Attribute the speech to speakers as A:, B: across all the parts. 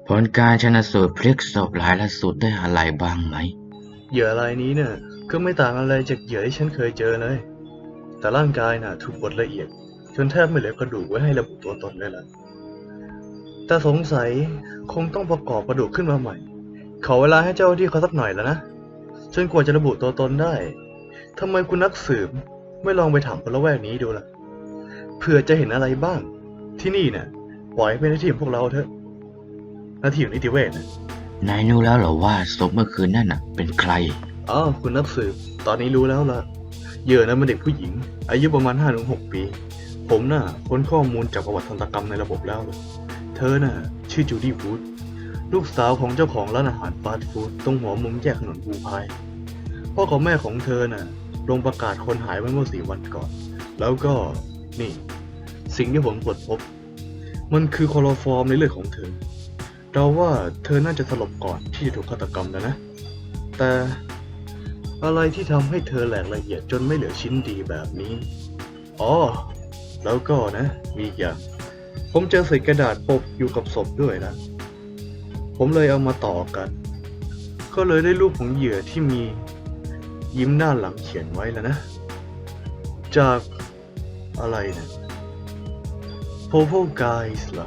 A: ผลการชันสูตรพลิกศพรายล่าสุดได้อะไรบ้างไหม
B: เหยื่อรายนี้เนี่ยก็ไม่ต่างอะไรจากเหยื่อที่ฉันเคยเจอเลย แต่ร่างกายน่ะถูกบดละเอียดจนแทบไม่เหลือกระดูกไว้ให้ระบุตัวตนเลยล่ะแต่สงสัยคงต้องประกอบกระดูกขึ้นมาใหม่ขอเวลาให้เจ้าหน้าที่เขาสักหน่อยแล้วนะจนกว่าจะระบุตัวตนได้ทำไมคุณนักสืบไม่ลองไปถามคนละแวกนี้ดูล่ะเผื่อจะเห็นอะไรบ้าง ที่นี่เนี่ยปล่อยให้เป็นหน้าที่ของพวกเราเถอะหน้าที่ของนิติเวชนะ
A: นายรู้แล้วเหรอว่าศพเมื่อคืนนั่นน่ะเป็นใคร
B: อ้าวคุณนักสืบตอนนี้รู้แล้วล่ะเหยื่อนั้นเป็นเด็กผู้หญิงอายุประมาณ 5-6 ปี ผมน่ะค้นข้อมูลจากประวัติทันตกรรมในระบบแล้วเธอน่ะชื่อจูดี้วูดลูกสาวของเจ้าของร้านอาหารฟาสต์ฟู้ดตรงหัวมุมแยกถนนบูพายพ่อกับแม่ของเธอน่ะลงประกาศคนหายไว้เมื่อ4 วันก่อนแล้วก็นี่สิ่งที่ผมตรวจพบมันคือคลอโรฟอร์มในเลือดของเธอเราว่าเธอน่าจะสลบก่อนที่จะถูกฆาตกรรมนะแต่อะไรที่ทำให้เธอแหลกละเอียดจนไม่เหลือชิ้นดีแบบนี้อ๋อแล้วก็นะมีอีกอย่างผมเจอเศษกระดาษปกอยู่กับศพด้วยนะผมเลยเอามาต่อกันก็เลยได้รูปของเหยื่อที่มียิ้มหน้าหลังเขียนไว้แล้วนะจากอะไรนะ Purple Guys เหรอ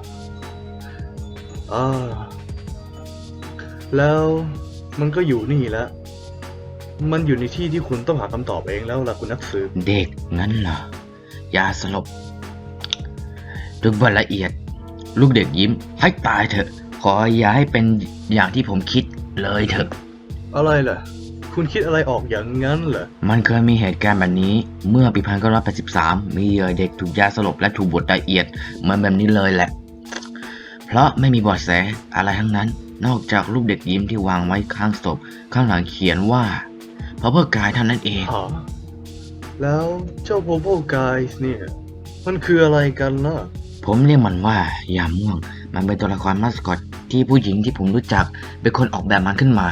B: แล้วมันก็อยู่นี่แล้วมันอยู่ในที่ที่คุณต้องหาคำตอบเองแล้วล่ะคุณนักสืบ
A: เด็กงั้นเหรอยาสลบลึกละเอียดลูกเด็กยิ้มให้ตายเถอะขออย่าให้เป็นอย่างที่ผมคิดเลยเถอะ
B: อะไรล่ะคุณคิดอะไรออกอย่างนั้นเหรอ
A: มันเคยมีเหตุการณ์แบบนี้เมื่อปี1983มีเหยื่อเด็กถูกยาสลบและถูกบดละเอียดเหมือนแบบนี้เลยแหละเพราะไม่มีเบาะแสอะไรทั้งนั้นนอกจากรูปเด็กยิ้มที่วางไว้ข้างศพข้างหลังเขียนว่าเพราะเพื่อกายเท่านั้นเอง
B: แล้วเจ้า Purple Guys เนี่ยมันคืออะไรกันล่ะ
A: ผมเรียกมันว่ายามม่วงมันเป็นตัวละครมาสคอตที่ผู้หญิงที่ผมรู้จักเป็นคนออกแบบมันขึ้นมา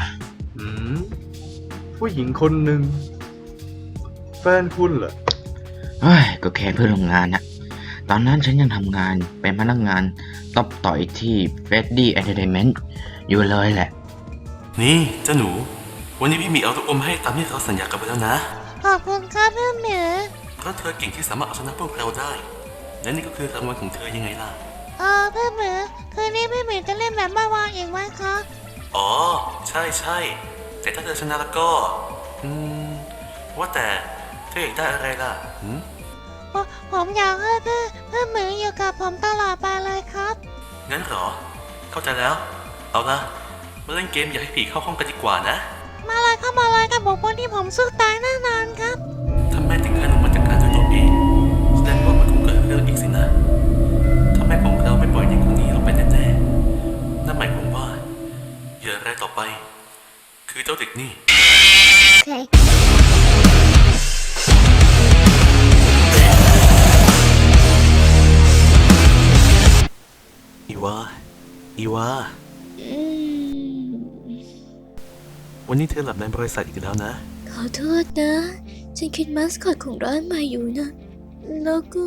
B: ผู้หญิงคนหนึ่งแฟนคุณเหรอ
A: ก็แค่เพื่อนร่วมงานนะตอนนั้นฉันยังทำงานเป็นพนักงานตบต่อยที่ Freddy Entertainment อยู่เลยแหละ
C: นี่เจ้าหนูวันนี้พี่มีเอาลูกอมให้ตามที่เขาสัญญากันไปแล้วนะ
D: ขอบคุณครับพี่หมี
C: เพราะเธอเก่งที่สามารถเอาชนะพวกเราได้และนี่ก็คือรางวัลของเธอยังไงล่ะ
D: พี่หมีคืนนี้พี่หมีจะเล่นแบบเมื่อวานอีกไหมครับ
C: อ๋อใช่แต่ถ้าเธอชนะแล้วก็ว่าแต่เธออยากได้อะไรล่ะ
D: ผมอยากให้พี่หมีอยู่กับผมตลอดไปเลยครับ
C: งั้นเหรอเข้าใจแล้วเอาละมาเล่นเกมอย่าให้ผีเข้าห้องกันดีกว่านะ
D: มาเลยกับบุคคลที่ผมสู้ตายแน่นอนครับ
C: ถ้าแม่ถึงขั้นลงมาจากการด้วยตัวเองแสดงว่ามันคงเกิดเรื่องอีกสินะถ้าแม่ของเราไม่ปล่อยเด็กคนนี้ลงไปแน่ๆนั่นหมายความว่าเหยื่อรายต่อไปคือเจ้าเด็กนี่อีวาวันนี้เธอหลับในบริษัทอีกแล้วนะ
D: ขอโทษนะฉันคิดมาสคอตของร้านใหม่อยู่นะแล้วก็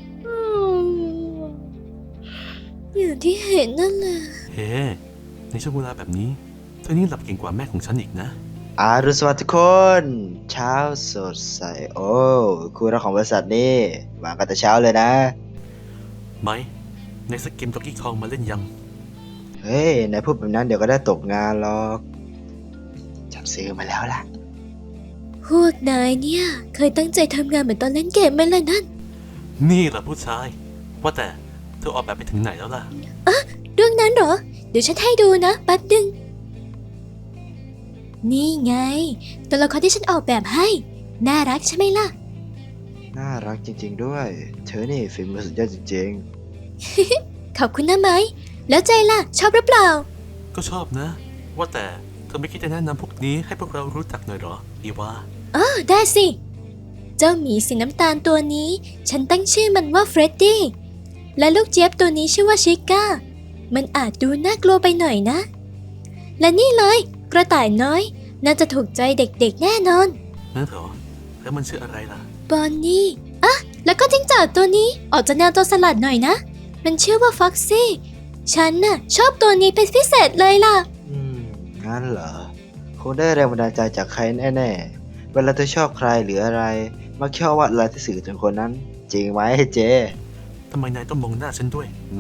D: อย่างที่เห็นนั่นแหละ
C: เฮ้ในช่วงเวลาแบบนี้เธอนี่หลับเก่งกว่าแม่ของฉันอีกนะ
E: อรุณสวัสดิ์ทุกคนเช้าสดใสโอ้คุณรักของบริษัทนี่มากันแต่เช้าเลยนะ
C: ไหมในสกิมจ็อกกี้คองมาเล่นยัง
E: เฮ้ยนายพูดแบบนั้นเดี๋ยวก็ได้ตกงานหรอกจับซื้อมาแล้วล่ะ
D: พวกนายเนี่ยเคยตั้งใจทำงานเหมือนตอนเล่นเกมไหมล่ะนั่น
C: นี่แหละผู้ชายว่าแต่เธอออกแบบไปถึงไหนแล้วล่ะ
D: เรื่องนั้นเหรอเดี๋ยวฉันให้ดูนะแป๊บนึงนี่ไงตัวละครที่ฉันออกแบบให้น่ารักใช่ไหมล่ะ
E: น่ารักจริงๆด้วยเธอนี่ฝีมือสุดยอดจริงๆ
D: ขอบคุณนะไหมแล้วใจล่ะชอบหรือเปล่า
C: ก็ชอบนะว่าแต่เธอไม่คิดจะแนะนำพวกนี้ให้พวกเรารู้จักหน่อยหรออีวา
D: ได้สิเจ้าหมีสีน้ำตาลตัวนี้ฉันตั้งชื่อมันว่าเฟรดดี้และลูกเจี๊ยบตัวนี้ชื่อว่าชิก้ามันอาจดูน่ากลัวไปหน่อยนะและนี่เลยกระต่ายน้อยน่าจะถูกใจเด็กๆแน่นอน
C: นั่นเหรอแล้วมันชื่ออะไรล่ะ
D: บอนนี่แล้วก็จิ้งจอกตัวนี้ออกจะแนวตัวสลัดหน่อยนะมันชื่อว่าฟ็อกซี่ฉันน่ะชอบตัวนี้เป็นพิเศษเลยล่ะ
E: งั้นเหรอ คงได้แรงบันดาลใจจากใครแน่ๆ เวลาเธอชอบใครหรืออะไร มักชอบวาดอะไรที่สื่อถึงคนนั้น จริงไหมเจ
C: ทำไมนายต้องมองหน้าฉันด้วยไหม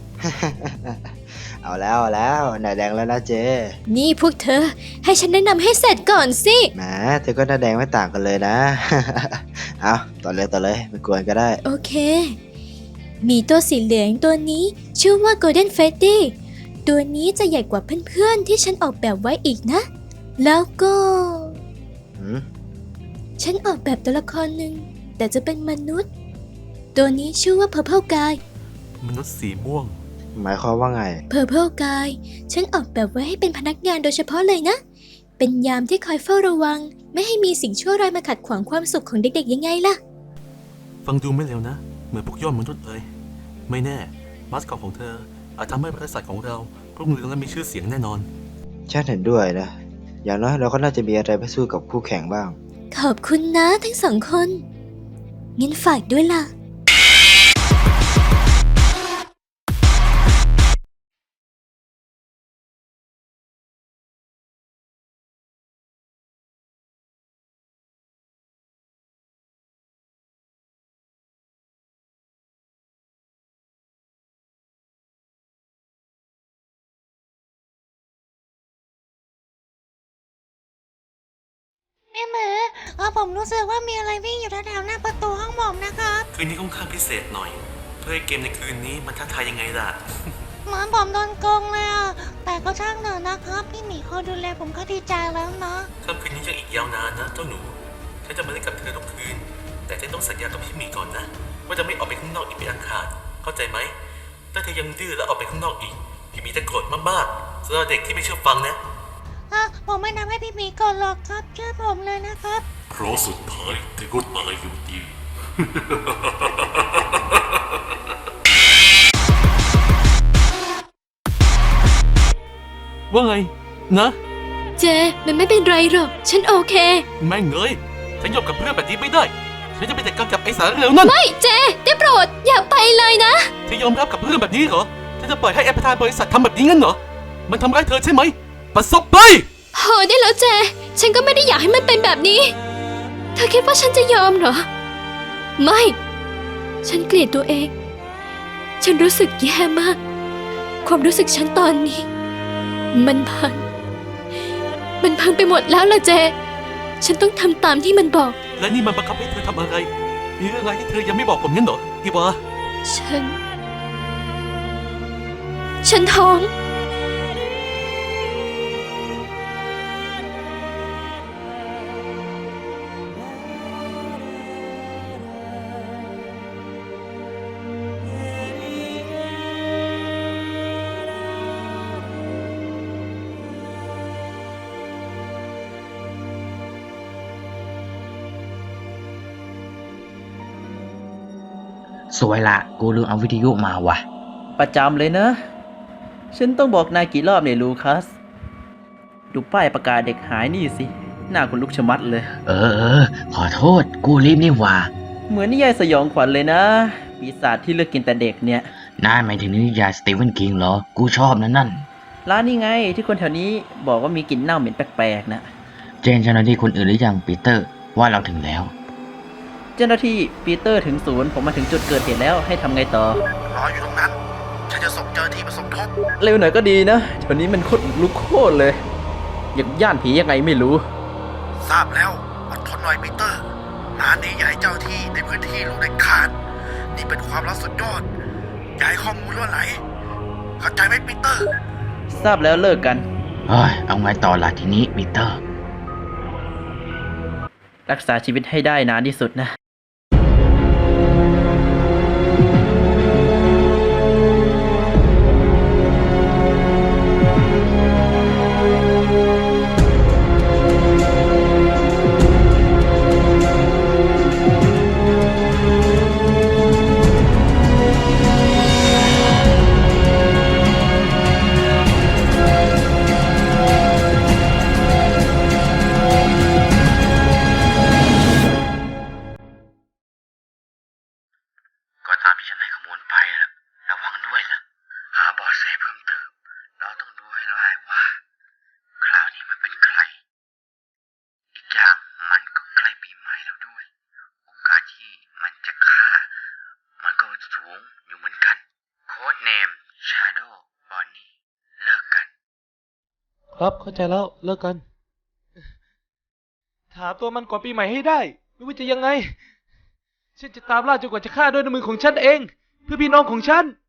E: เอาแล้วหน้าแดงแล้วนะเจ
D: นี่พวกเธอ ให้ฉันแนะนำให้เสร็จก่อนสิ
E: แหมเธอก็หน้าแดงไม่ต่างกันเลยนะ เอาต่อเลยไม่กวนก็ได้
D: โอเค มีตัวสีเหลืองตัวนี้ชื่อว่า Golden Freddy ตัวนี้จะใหญ่กว่าเพื่อนๆที่ฉันออกแบบไว้อีกนะ แล้วก็
E: หืม
D: ฉันออกแบบตัวละครหนึ่งแต่จะเป็นมนุษย์ ตัวนี้ชื่อว่า Purple Guy
C: มนุษย์สีม่วง
E: หมายความว่าไง
D: Purple Guy ฉันออกแบบไว้ให้เป็นพนักงานโดยเฉพาะเลยนะ เป็นยามที่คอยเฝ้าระวัง ไม่ให้มีสิ่งชั่วร้ายมาขัดขวางความสุขของเด็กๆยังไงล่ะ
C: ฟังดูไม่เร็วนะ เหมือนพวกยอดมนุษย์เลย ไม่แน่มาสคอตของเธอ อาจทำให้บริษัทของเรารุ่งเรืองและมีชื่อเสียงแน่นอน
E: ฉันเห็นด้วยนะ อย่างน้อยเราก็น่าจะมีอะไรไปสู้กับคู่แข่งบ้าง
D: ขอบคุณนะทั้งสองคนงั้นฝากด้วยล่ะ
F: แม่หมูผมรู้สึกว่ามีอะไรวิ่งอยู่แถวๆหน้าประตูห้องผมนะครับ
C: คืนนี้ค่อนข้างพิเศษหน่อย เพื่อให้เกมในคืนนี้มันท้าทายยังไงล่ะ
F: เหมือนผมโดนโกงเลยอ่ะ แต่ก็ช่างเถอะนะครับ พี่หมีคอยดูแลผมก็ดีใจแล้วนะ
C: ค่ำคืนนี้ยังอีกยาวนานนะเจ้าหนูฉันจะมาเล่นกับเธอทุกคืน แต่ฉันต้องสัญญากับพี่หมีก่อนนะ ว่าจะไม่ออกไปข้างนอกอีกเป็นอันขาดเข้าใจไหมถ้าเธอยังดื้อแล้วออกไปข้างนอกอีก พี่หมีจะโกรธมากๆสำหรับเด็กที่ไม่เชื่อฟังนะ
F: ผมไม่ทำให้พี่หมีก่อนหรอกครับเชื่อผมเลยนะครับ
C: เพราะสุดท้ายเธอก็ตายอยู่ดี ว่าไง นะ
D: เจ มันไม่เป็นไรหรอก ฉันโอเค
C: แม่งเอ้ยฉันยอมกับเรื่องแบบนี้ไม่ได้ ฉันจะไปจัดการกับไอ้สารเร็วนั่น
D: ไม่เจ ได้โปรด อย่าไปเลยนะ
C: เธอยอมรับกับเรื่องแบบนี้เหรอเธอจะปล่อยให้ประธานบริษัททำแบบนี้งั้นเหรอ มันทำร้ายเธอใช่ไหม ประสบไป
D: พอได้แล้วเจ ฉันก็ไม่ได้อยากให้มันเป็นแบบนี้ เธอคิดว่าฉันจะยอมเหรอ ไม่ ฉันเกลียดตัวเอง ฉันรู้สึกแย่มาก ความรู้สึกฉันตอนนี้ มันพังไปหมดแล้วล่ะเจ ฉันต้องทำตามที่มันบอก
C: และนี่มันบังคับให้เธอทำอะไร มีเรื่องอะไรที่เธอยังไม่บอกผมงั้นเหรออีวา
D: ฉันท้อง
A: สวยละ กูลืมเอาวิทยุมาว่ะ
G: ประจำเลยนะ ฉันต้องบอกนายกี่รอบเนี่ยลูคัส ดูป้ายประกาศเด็กหายนี่สิ หน้าคุณลุกชะมัดเลย
A: เออ ขอโทษ กูรีบนี่หว่า
G: เหมือนนิยายสยองขวัญเลยนะ ปีศาจที่เลือกกินแต่เด็กเนี่ย
A: นายหมายถึงนิยายสตีเวนคิงเหรอ กูชอบนั่น
G: ร้านนี้ไงที่คนแถวนี้บอกว่ามีกลิ่นเน่าเหม็นแปลกๆนะ
A: เจนเจ้าหน้าที่คนอื่นหรือยังปีเตอร์ ว่าเราถึงแล้ว
G: เจ้าหน้าที่ปีเตอร์ถึงศูนย์ผมมาถึงจุดเกิดเหตุแล้วให้ทำไงต่อ
B: รออยู่ตรงนั้น ฉันจะส่งเจ้าหน้าที่มาสมทบ
G: เร็วหน่อยก็ดีนะแถวนี้มันโคตรลุกโคตรเลย อย่างย่านผียังไงไม่รู้
B: ทราบแล้ว อดทนหน่อยปีเตอร์งานนี้อย่าให้เจ้าที่ในพื้นที่รู้เด็ดขาด นี่เป็นความลับสุดยอด อย่าให้ข้อมูลล่วไหล เข้าใจไหมปีเตอร์
G: ทราบแล้วเลิกกัน
A: เฮ้ย เอาไงต่อล่ะทีนี้ปีเตอร์
G: รักษาชีวิตให้ได้นานที่สุดนะ
H: ครับเข้าใจแล้วเลิกกัน ถามตัวมันก่อนปีใหม่ให้ได้ ไม่ว่าจะยังไง ฉันจะตามล่าจนกว่าจะฆ่าด้วยน้ำมือของฉันเอง เพื่อพี่น้องของฉัน